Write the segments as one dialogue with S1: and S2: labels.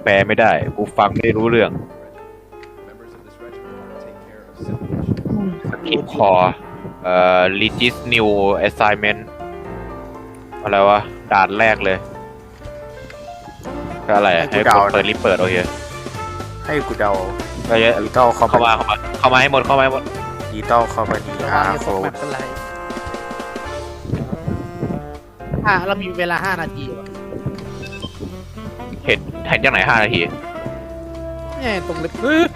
S1: แปลไม่ได้กูฟังไม่รู้เรื่องสกิปคอRegis New Assignment อะไรวะด่านแรกเลยก็อะไรให้กดเปิดรีบเปิดโอเค
S2: ให้กูเดา
S1: ก็เยอะ
S2: ดิจิตอลเข้า
S1: มาให้หมด
S2: ดิจิตอลคอมพานีโฟร์
S3: เรามีเวลา5 นาที
S1: เห็นจากไหน5 นาที
S3: เนี่ยตรงเล็บ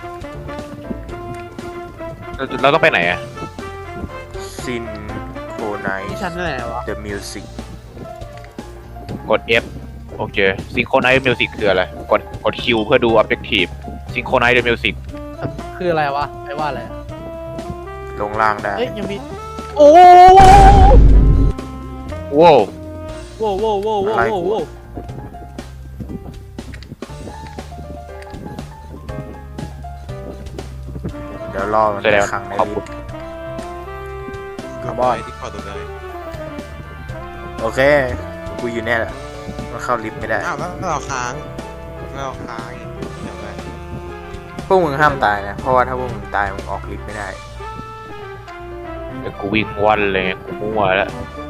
S1: เราต้องไปไหนอะ
S2: ซินโคไนท์
S3: ที่ชั้นไหนวะ
S2: The Music
S1: กด F โอเค Synchronize Music คืออะไรกด Q เพื่อดู Objective Synchronize the Music
S3: คืออะไรวะไม่ว่าอะไร
S2: ลงล่างได้
S3: ยังมีโอ้
S1: โว้
S2: เดี๋ยวรอมันครั้งในลิฟต์คาร์บอนโอเคกูอยู่เนี่ยแหละมันเข้าลิฟต์ไม่ได้
S4: อ้าวแล้วเราค้างเดี๋ยวไป
S2: พวกมึงห้ามตายนะเพราะว่าถ้าพวกมึงตายมึงออกลิฟต์ไม่ได้
S1: เดี๋ยวกูวิ่งวันเลยกูมั่วแล้ว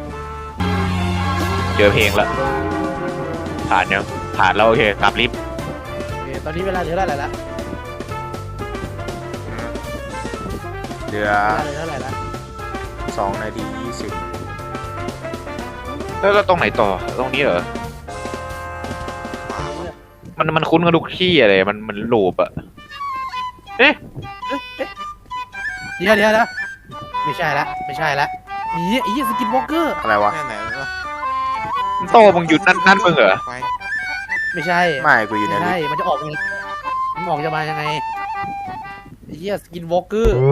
S1: เจอเพลงแล้วผ่านแล้วโอเคกลับลิฟต์
S3: ตอนนี้เวลาเหลือเท่าไหร่ละ
S2: เหลือ
S3: เท่าไหร่ละ
S2: 2 นาที 20
S1: แล้วตรงไหนต่อตรงนี้เหรอมันคุ้นกับทุกที่อะไรมันลูปอะ
S3: เดี๋ยวไม่ใช่ละนี่ไอ้สกินวอล์กเกอร์
S2: อะไรวะ
S1: โตมึงหยุดนั่นมึงเหรอ
S3: ไม่ใช่
S2: กูอยู่ในลิฟต์
S3: มันจะออกจะมายังไงไอ้สกินวอล์กเกอร์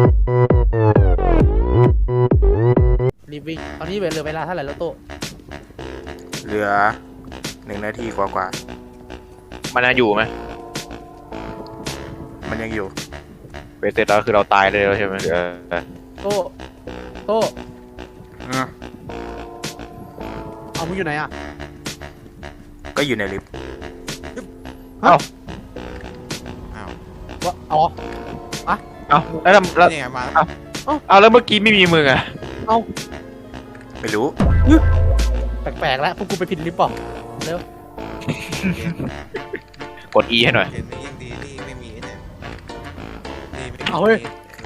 S3: รีบวิ่งตอนนี้เหลือเวลาเท่าไหร่แล้วโต
S2: เหลือ1 นาทีกว่า
S1: มันยังอยู่ไหม
S2: มันยังอยู่
S1: เสร็จแล้วคือเราตายเลยใช่ไหม
S3: โตเอามึงอยู่ไหนอ่ะ
S2: ก็อยู่ในลิฟต์
S1: ว่าแล้วเมื่อกี้ไม่มีมึงอะ
S2: ไม่รู้
S3: แปลกๆแล้วพวกกูไปผิดลิฟต์ป่ะเร็ว
S1: กด E ให้หน่อย
S4: ยังดีนี่ไม่มีเนี่ย
S3: เอาเฮ้ย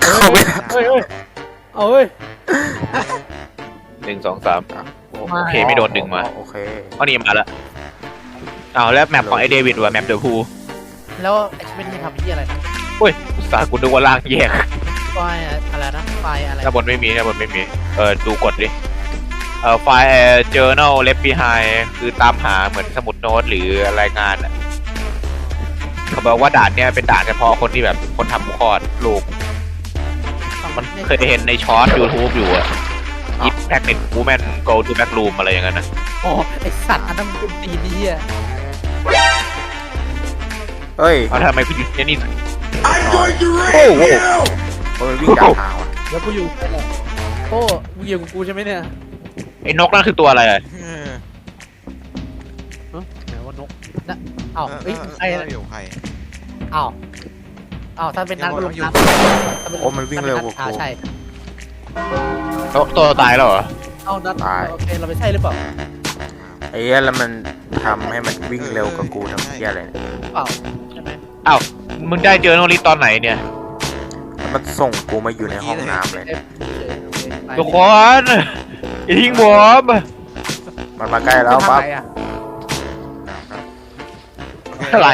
S1: 1 2 3โอเคไม่โดนดึงมา
S2: โอเค
S1: นี่มาแล้วแล้วแมปของไอเดวิดว่ะแมปเดอะพู
S3: แล้วไอ้ไม่ได้ทำที่อะไรนะ
S1: อุ้ยสากูนึกว่าล่างแยก
S3: ไฟอะไรนะไฟอะไร
S1: ถ้าบนไม่มีดูกดดิไฟล์ journal left behind คือตามหาเหมือนสมุดโน้ตหรือรายงานเขาบอกว่าด่านเนี้ยเป็นด่านเฉพาะคนที่แบบคนทำคอร์ดลูกมันเคยเห็นในช็อต YouTube อยู่อะIf Pregnant Woman Go to Back Room อะไรอย่างนั้นนะ
S3: โอ้ไอสัตว์อันนั้นมันตีนี่อ่ะ
S2: เฮ้ย
S1: ทำไมพี่หยุดเนี่ยนี่
S2: โอ้โหมันวิ่งจากทางว่ะ
S3: แล้วกูอยู่โอ้มึงอยู่กับกูใช่ไหมเนี่ย
S1: ไอ้นกนั่นคือตัวอะไรไห
S3: นว่านกนะใคร
S4: อยู่ใคร
S3: ถ้าเป็นนักลงน้
S2: ำโอ้มันวิ่งเร็วกว่ากู
S3: ใช่
S1: ตัวตายแล้วเหรอ
S3: นัดตายโอเคเราไปใช่หรือเปล่า
S2: ไอ้แล้วมันทำให้มันวิ่งเร็วกว่ากูทำเหี้ยอะไร
S3: เปล่าใช่ไหม
S1: มึงได้เจอโนริตอนไหนเนี่ย
S2: มันส่งกูมาอยู่ในห้องน้ำเลย
S1: ทุกคนทิ้งผม
S2: มันมาใกล้แล้วปั๊บ
S1: อะไร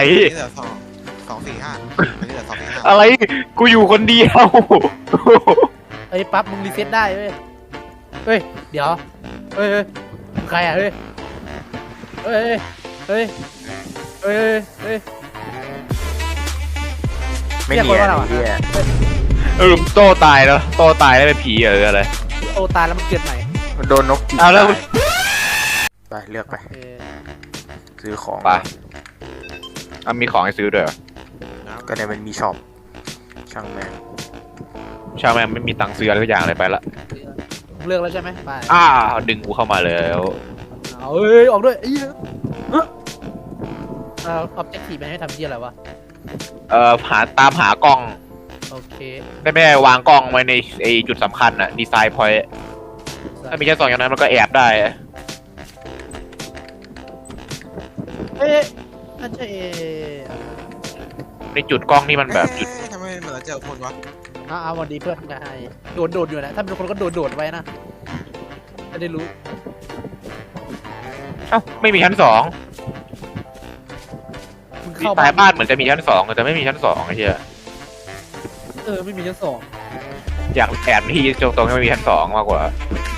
S1: อะไรกูอยู่คนเดียว
S3: ปั๊บมึงรีเซ็ตได้เว้ยเดี๋ยวใครอ่ะเฮ้ย
S2: ไม่มีอะไร
S1: โตตายแล้วเป็นผีหรืออะไร
S3: โตตายแล้วมันเกิดใหม่
S2: มันโดนนกจิก
S1: แล้ว
S2: ไปเลือกไปซื้อของ
S1: ไปมีของให้ซื้อด้วย
S2: ก็เนี่ยมันมีช็อปช่างแม่
S1: ไม่มีตังค์ซื้ออะไรทุกอย่างเลยไปละ
S3: เลือกแล้วใช่ไหมไป
S1: ดึงกูเข้ามาแล้ว
S3: ออกด้วย objective มันให้ทำที่อะไรวะ
S1: ตามหากล้อง
S3: โอเค
S1: ไม่ได้วางกล้องไว้ในไอจุดสำคัญอะดีไซน์พอยต์ถ้ามีชั้น 2อย่างนั้นมันก็แอบได้อะ
S3: เอ๊ะน่าจะ
S1: ในจุดกล้องนี่มันแบบจุด
S4: เอ๊ะทำไมเหมือนเราเจอคนวะ
S3: เอาวันดีเพื่อนนายโดดอยู่นะถ้าเป็นคนก็โดดไว้นะจะได้รู้
S1: เอ้าไม่มีชั้น 2
S3: มึง
S1: ดี
S3: เข้า
S1: ไซน์บ้านเหมือนจะมีชั้น 2แต่ไม่มีชั้น 2ไอ้เหี้ย
S3: ไม่มีชั้นสอง
S1: อยากแอบที่ตรงที่ไม่มีชั้น 2มากกว่า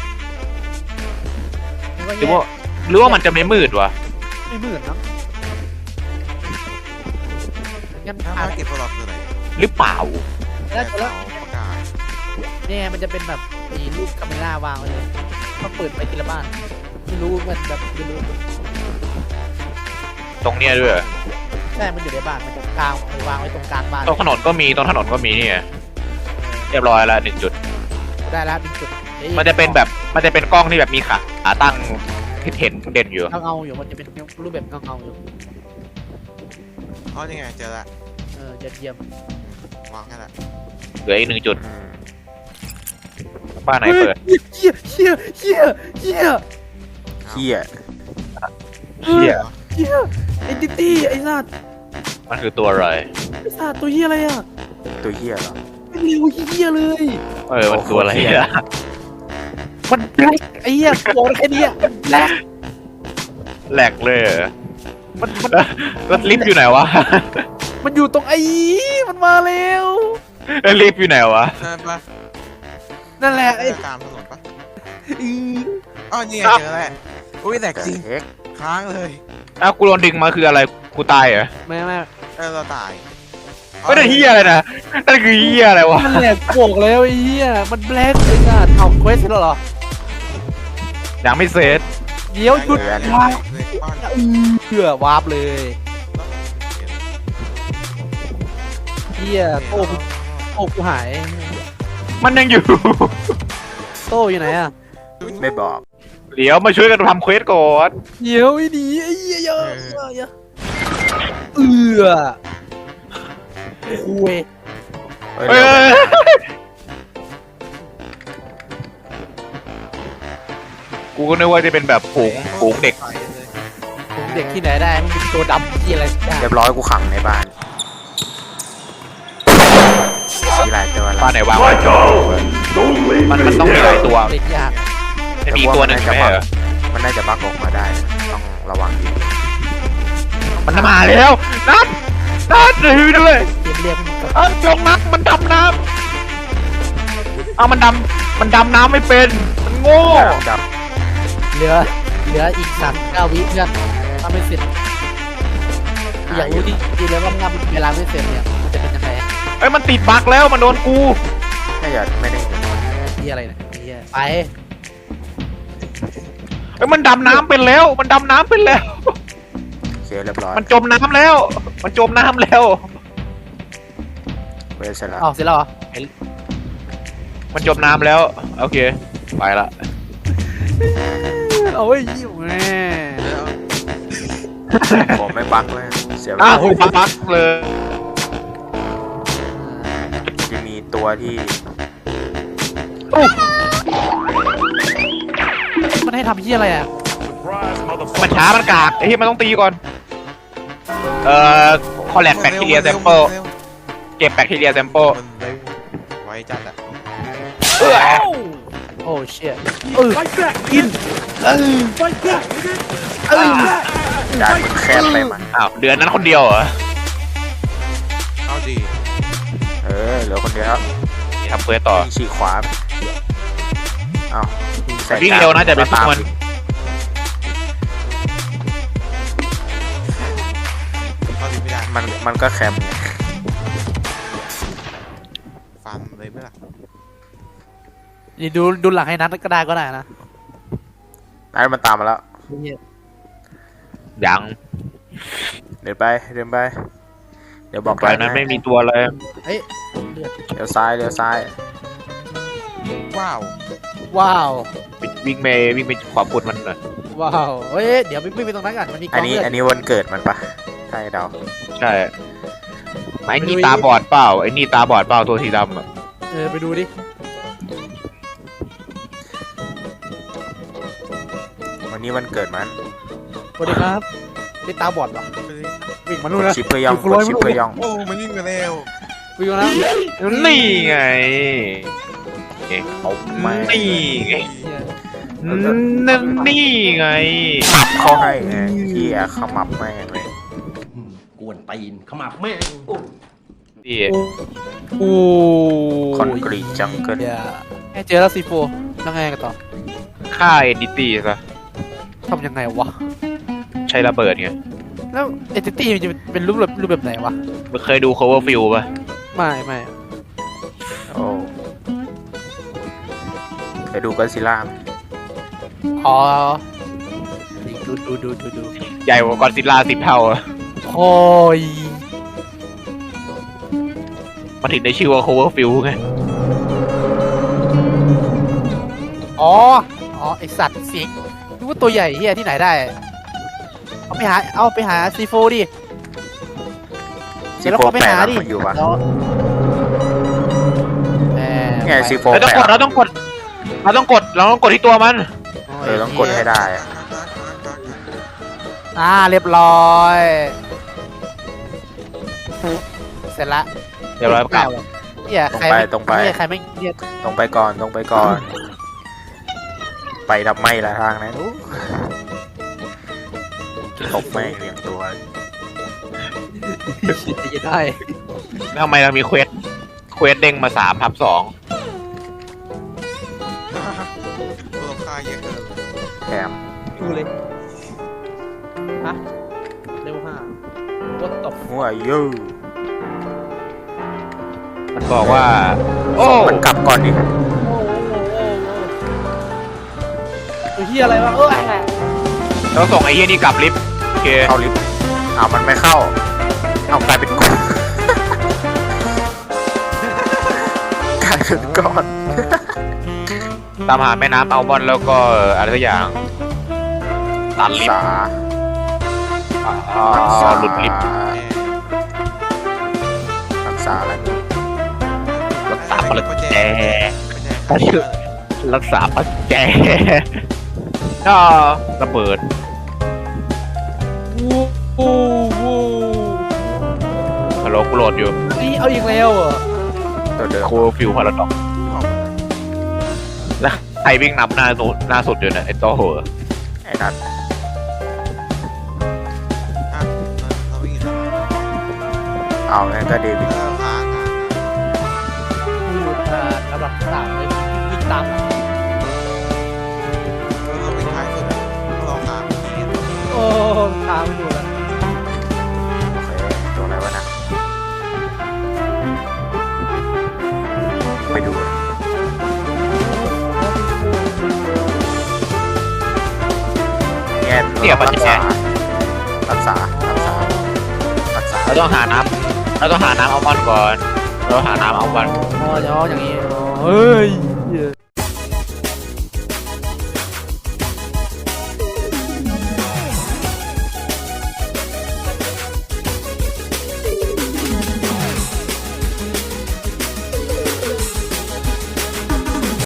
S3: มันก็
S1: หรือ
S3: แย
S1: ว่าก หรือว่ามันจะไม่มืดวะ
S3: ไม่เหมือนนะงั้น
S4: ถ้า
S3: อ่ะ
S4: มาเก็บตัวหลอกคืออะไร
S1: หรือเปล่า
S3: แล้วแล้ว
S4: ประกาศ
S3: เนี่ยมันจะเป็นแบบมีรูปคาเมล่าวางไว้เลยต้องเปิดไปทีละบ้านไม่รู้มันแบบไม่รู้
S1: ตรงเนี้ยด้วย
S3: ใช่มันอยู่ในบ้านมันจะกลางวางไว้ตรงกลางบ้าน
S1: ตรงถนนก็มีนี่ไงเรียบร้อยแล้ว1 จุด
S3: ได้แล้วเป็นจุด
S1: มันจะเป็นกล้องที่แบบมีขาตั้งที่เห็นเด่นอยู่
S3: เงาอยู่มันจะเป็นรูปแบบเงาอยู่
S4: อ๋อนี่ไงเจอละ
S3: ยอดเยี่ยม
S4: วางแค่ละ
S1: เหลืออีก1 จุด
S2: อืม
S1: บ้านไหนเปิด
S3: เฮียเฮียเฮียเฮีย
S2: เหี้ย
S1: เชี่ย
S3: เฮียไอ้ดิตี้ไอ้สัตว์
S1: มันคือตัวอะไร
S3: ไอ้สัตว์ตัวเฮียอะไรอ่ะ
S2: ตัวเหี้ยเหรอ
S3: ไม่เร็วเฮียเลย
S1: มันตัวอะไรอะ
S3: มันแบล็คไอ้เฮียโกนแค่เนี้ยมันแบล็ค
S1: แหลกเลยเหรอแล้วลิฟต์อยู่ไหนวะ
S3: มันอยู่ตรงไอ้มันมาแล้ว
S1: แล้วลิฟต์อยู่ไหนวะ
S4: ใช่ปะ
S3: นั่นแหละไอ้
S4: ตามถนนปะ
S3: อือ
S4: อ๋อนี่ไงเจอแล้วอุ้ยแหลกจริง
S2: เอ็ก
S4: ค้างเลย
S1: อ้าวกูโดนดึงมาคืออะไรกูตายเหรอ
S3: ไม่
S4: เราตาย
S1: ไม่ได้เฮียอะไรนะนั่นคือเฮียอะไรวะ
S3: นั่นแหละโกกแล้วไอ้เฮียมันแบล็คไอ้สัตว์เอาเควสเสร็จแล้วเหรอ
S1: ยังไม่เสร็จ
S3: เดี๋ยวหยุด
S4: เล
S3: วาย
S4: บ้าน
S3: เพื่อวาร์ปเลยเฮียโต้กูหาย
S1: มันยังอยู่
S3: โต้อยู่ไหนอ่ะ
S2: ไม่บอก
S1: เดี๋ยวมาช่วยกันทำเควสก่อน
S3: เดี๋ยวไอ้ดีไอ้เหี้ยเยอะคุย
S2: เอ้ย
S1: เอ้
S2: เร็วย
S1: กูก็นึกว่าจะเป็นแบบฝูงเด็ก
S3: ผมเด็กที่ไหนได้มันเป็นตัวดำที่อะไรสักอย่าง
S2: เรียบร้อยกูขังในบ้านมีหลายตัวละ
S1: บ้านไหนวางไว้มันต้องมีหลายตัว
S3: เด็กยาก
S1: จะมีตัวหนึ่งใช่ไหมเหรอ
S2: มันน่าจะบักออกมาได้ ต้องระวังดี
S1: มันมาแล้วนัดถือด้วย
S3: เรียกมัน
S1: จงนัดมันดำน้ำเอามันดำน้ำไม่เป็นมันโง่
S2: จับ
S3: เหลืออีก39 วิเพื่อนถ้าไม่เสร็จอยากรู้จริงๆเลยว่างานเวลาไม่เสร็จเนี่ยมันจะเป็นยังไง
S1: เอ้ยมันติดบั๊กแล้วมันโดนกู
S2: น่าจะไม่ได้เห็น
S3: ที่อะไรเนี่ยไอ้เหี้ยไป
S1: เอ้ยมันดำน้ำเป็นแล้วมันดำน้ำเป็นแล้ว
S2: โอเคเรียบร้อย
S1: มันจมน้ำแล้ว มันจมน้ำแล้ว
S2: เวสเสร็จแล้ว
S3: อ้าวเสร็จแล้วเหรอ
S1: มันจมน้ำแล้วโอเคไปละ
S3: โอ้ยยิ้มแม่
S2: ผมไม่บักเลยเสียเว
S1: อ้า
S2: ลาว
S1: บั๊กเลย
S2: จะมีตัวที่
S3: มันให้ทำที่อะไรอ่ะ
S1: มันช้ามันกากไอ้ที่มันต้องตีก่อนคอลแลบแบคทีเรียแซมเปิลเก็บแบคทีเรียแซมเปิล
S4: มันเร็วไว้จัดอ่ะ
S3: โอ้เชี่ยกิน
S2: ด่านมันแคบไปมัน
S1: อ้าวเดือนนั้นคนเดียวเหรอ
S4: เอาดี
S2: เหลือคนเดียว
S1: นี่ทำเควสต่อ
S2: ฉีกขวาเอ้า
S1: วิ่งเร็วนะจะไปทุกมัน
S4: เอาดีไม่ได้
S2: มันก็แคมไง
S4: ฟันเลยไหมล่ะ
S3: นี่ดูหลังให้นัดก็ได้นะ
S2: นั่นมันตามมาแล้ว
S1: ยัง
S2: เดินไปเดี๋ยวบอก
S1: ไกลนั้นไม่มีตัวเลย
S3: เฮ้ยเลือด
S2: เดี๋ยวซ้าย
S4: ว้าว
S3: ว้าว
S1: วิ่งไปขวาปุดมันหน่อย
S3: ว้าวเฮ้ยเดี๋ยวไม่ไปตรงนั้นกันมันมีก
S2: อั
S3: อน ง
S2: นี้
S3: เลือด
S2: อันนี้วันเกิดมันปะให้เดา
S1: ใช่ไอ้นี่ตาบอดเปล่าไอ้นี่ตาบอดเปล่าตัวสีดำอ่ะ
S3: ไปดูดิ
S2: วันนี้วันเกิดมัน
S3: สวัสดีครับนี่ตาบอดเหรอ
S4: ไปดิ
S3: วิ่งมานู่นนะ
S2: ชิปเปอร์ยอง
S3: อยู่คนละ
S2: ชิปเปอร์ยอง
S4: โอ้มันยิ่งกันแล้ว
S3: วิ่งมาแล้ว
S1: นี่ไง
S2: เอาไม่
S1: นี่ไงนี่ไง
S2: ขับเข้าให้ไงเฮียขมับแม่งเลย
S5: กวนตีนขมับแม่ง
S1: พี่
S3: โอ้
S2: คอนกรีตจังเกิล
S3: เดี๋ยวเจอแล้วซีโฟแล้วไงกันต่อ
S1: ฆ่าเอ็นดิตี้ซะ
S3: ทำยังไงวะ
S1: ใช้ระเบิดไง
S3: แล้วเอติตี้มันจะเป็นรูปแบบไหนวะ
S1: มึงเคยดู Cloverfield ป่ะ
S3: ไม่
S2: โอ้เคยดูก็ซิล่าไหม
S3: อ๋อดู
S1: ใหญ่กว่ากอนซิลล่า10 เท่าอะ
S3: โอ้ย
S1: มันถึงได้ชื่อว่า Cloverfield ไง
S3: อ๋อไอสัตว์เสียงนึกว่าตัวใหญ่เฮียที่ไหนได้เอาไปหาซีโฟดิ
S2: ซี
S3: แล้ว
S2: โฟ
S3: ก็ไป
S2: แปด
S3: หาดิ
S2: มันอยู่ปะ
S3: แล้วแหม
S2: ไงซีโฟ
S1: เรา
S2: แป
S1: ต้องกด
S2: ด
S1: เราต้องกดที่ตัวมัน
S2: ต้องกดให้ได้อะ
S3: เรียบร้อยเสร็จละ
S1: เดี๋ยวเรากลับ
S3: เฮียใครไม่เรียก
S2: ตรงไปก่อนตรงไปก่อน ไปทำไมล่ะทางนั้นอู้ตบแม่งเรียงตัว
S3: จะได้
S1: ทำไมเรามีเควสเด้งมา3/2
S4: ตัวค่าเยอะเกิน
S2: แถม
S3: ดูเลยฮะเร็วห้าวัดตบ
S2: หัวยู
S1: มันบอกว่า โอ้
S2: มันกลับก่อนดิ
S3: ตัวที่อะไรวะอะไร
S1: เราส่งไอ้เหี้ยนี่กลับลิฟต์โอเค
S2: เข้าลิฟต์เอามันไม่เข้า เอากลายเป็นก้อน กลายเป็นก้อน
S1: ตามหาแม่น้ำอัลมอนด์แล้วก็อะไรสักอย่างตัดลิฟ
S2: สา
S1: ต์หลุดลิฟต์
S2: รักษาอะไร
S1: รักษาปัจแจ
S4: ก็แจ
S1: รักษาปัจแจก็ระเบิด
S3: โอ้โห
S1: ฮัลโหลกูโหลดอยู่
S3: นี่เอาอีกแล้วอ่ะ
S2: ตัวเดิม
S1: โคฟิวพาราดอกแล้วใครวิ่งนำหน้าสุดอยู่เนี่ยไอ้โตเหรอ
S2: ไอ้นัท
S4: เราวิ่งอยู่
S2: เอางั้นก็เดวิด
S4: ค้าง
S3: พูดระดับ3เลยวิ่งตาม
S4: เราวิ่งท้ายสุดเราค้างที่
S3: โอ้ตามไม่ดูแล้ว
S2: โอเคตัวอะไรวะนะไปดูเนี่ยรักษารักษา
S1: เราต้องหาน้ำอัลมอนด์ก่อนเราหาน้ำอัลมอนด์
S3: อ๋อเดี๋ยวอย่างนี้เฮ้ย